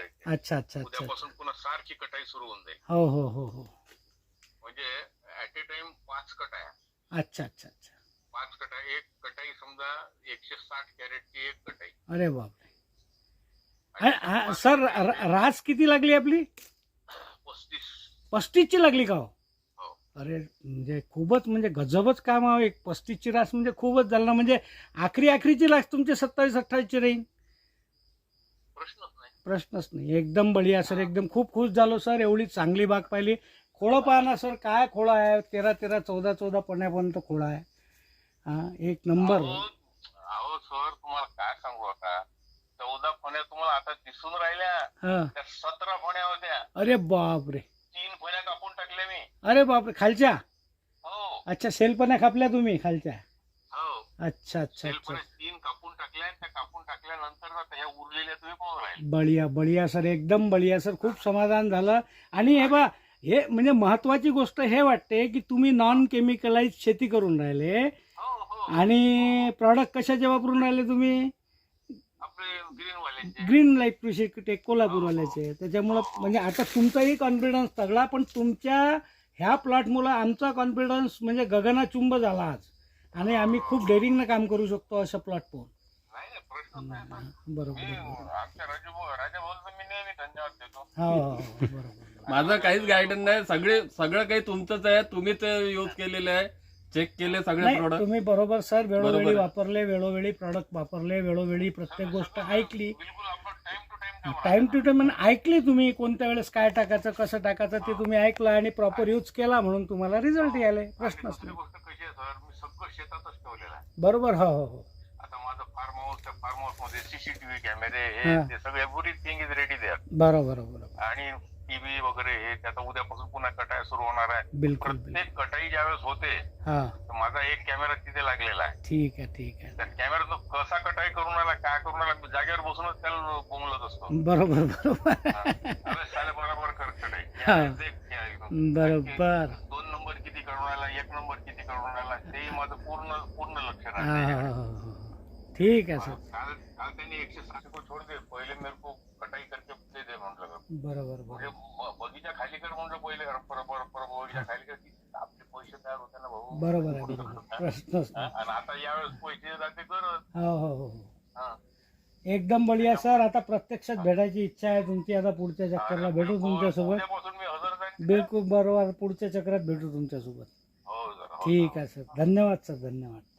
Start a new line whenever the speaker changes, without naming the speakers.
करायचे.
अच्छा अच्छा अच्छा
उद्यापासून पुन्हा सारखी कटाई सुरू होऊन जाईल.
हो हो हो हो.
म्हणजे ऍट ए टाइम 5 कटाया.
अच्छा अच्छा अच्छा.
5 कटाई, एक कटाई समजा 160 कॅरेटची एक कटाई.
अरे बापरे.
आणि त्या 5
सर
कटाईचे
रास किती लागली आपली?
35.
35ची लागली का हो?
हो.
अरे म्हणजे खूपच म्हणजे गजबच काम आहे. 35ची रास म्हणजे खूपच झालं ना. म्हणजे आखरीची रास तुमची 27-28ची राहील.
प्रश्नच नाही.
प्रश्नच नाही. एकदम बढिया सर. एकदम खूप खुश झालो सर. एवढी चांगली बाग पाहिली. खोळं पहा ना सर, काय खोळं आहे. 13-13, 14-14 पण्यापर्यंत खोळं आहे. हा, एक नंबर.
अहो सर, तुम्हाला काय सांगू आता, 14 फण्या तुम्हाला आता दिसून राहिल्या,
हा.
त्या 17 फण्या होत्या.
अरे बापरे.
3 फण्या कापून टाकल्या मी.
अरे बापरे. खालच्या?
हो
अच्छा, सेलपण्या कापल्या तुम्ही खालच्या?
हो.
अच्छा अच्छा अच्छा.
3 कापून टाकल्या. त्या कापून टाकल्यानंतर आता ह्या उरलेल्या तुम्ही पाहून राहिले.
बढिया बढिया सर. एकदम बढिया सर. खूप समाधान झालं. आणि हे बा, हे म्हणजे महत्वाची गोष्ट हे वाटते की तुम्ही नॉन केमिकलाइज शेती करून राहिले.
हो हो.
आणि प्रॉडक्ट कशाचे वापरून राहिले तुम्ही?
आपले ग्रीन वाल्यांचे.
ग्रीन लाईफ कृषी टेक कोल्हापूरवाल्याचे. त्याच्यामुळं म्हणजे आता तुमचाही कॉन्फिडन्स तगला, पण तुमच्या ह्या प्लॉटमुळं आमचा कॉन्फिडन्स म्हणजे गगनाचुंब झाला आज. आणि आम्ही खूप डेअरिंगनं काम करू शकतो अशा प्लॉट पाहून.
नाही नाही, प्रश्नच नाही आता.
बरोबर
मी
बरोबर.
आमच्या राजा भाऊला मी नेहमी धन्यवाद देतो.
हो हो हो, बरोबर.
माझं काहीच गायडन्स नाही. सगळं काही तुमचंच आहे. तुम्ही ते यूज केलेले आहे, चेक केले सगळे
नाही,
प्रोडक्ट.
तुम्ही बरोबर सर. वेळोवेळी
बरोबर आहे.
वापरले, वेळोवेळी प्रॉडक्ट वापरले, वेळोवेळी प्रत्येक गोष्ट ऐकली.
बिलकुल आपण time to time
time to time ऐकली तुम्ही. कोणत्या वेळेस काय टाकायचं, कसं टाकायचं ते तुम्ही ऐकलं आणि प्रॉपर यूज केला, म्हणून तुम्हाला रिझल्ट यायले. प्रश्नच
दुसरी
नाही.
गोष्ट कशी आहे सर, मी सगळं शेतातच ठेवलेलं आहे.
बरोबर. हो हो हो.
आता माझं फार्म हाऊस, त्या फार्म हाऊस मध्ये सीसीटीव्ही कॅमेरे हे
हा.
ते सगळे एव्हरीथिंग इज रेडी देअर.
बरोबर बरोबर.
आणि टीव्ही वगैरे हे त्याचा उद्यापासून पुन्हा कटाई सुरू होणार आहे.
बिलकुल बिलकुल.
प्रत्येक कटाई ज्यावेळेस होते
हा,
तर माझा एक कॅमेरा तिथे लागलेला आहे.
ठीक आहे ठीक आहे.
त्या कॅमेरा कसा कटाई करून आला, काय करून आला, मी जागेवर बसूनच त्याला बोंबलत असतो.
बरोबर बरोबर.
अरे साले बरोबर कर कटाई.
हा.
बरोबर.
बरोबर.
2 नंबर किती करून आला, 1 नंबर किती करून आला, ते माझं पूर्ण लक्ष
हा
राहतं.
हा हा. ठीक आहे सर.
काल त्यांनी 160 को छोड़ दे, पहिले मेरे को कटाई करके दे दे म्हटलं.
बरोबर
म्हणजे
बरोबर.
बगीचा खाली कर म्हणलं पहिले, बगीचा खाली कर, आपले पैसे तयार होते ना भाऊ.
बरोबर आहे बरोबर. प्रश्नच नाही.
आणि आता यावेळेस पैसे जाते करत.
हो हो हो.
हा.
एकदम बढिया सर. आता प्रत्यक्षात भेटायची इच्छा आहे तुमची. आता पुढच्या चक्करला भेटू तुमच्यासोबत.
उद्यापासून मी हजर जाईन.
बिलकुल बरोबर. पुढच्या चक्रात भेटू तुमच्यासोबत.
हो सर.
ठीक आहे सर. धन्यवाद सर. धन्यवाद.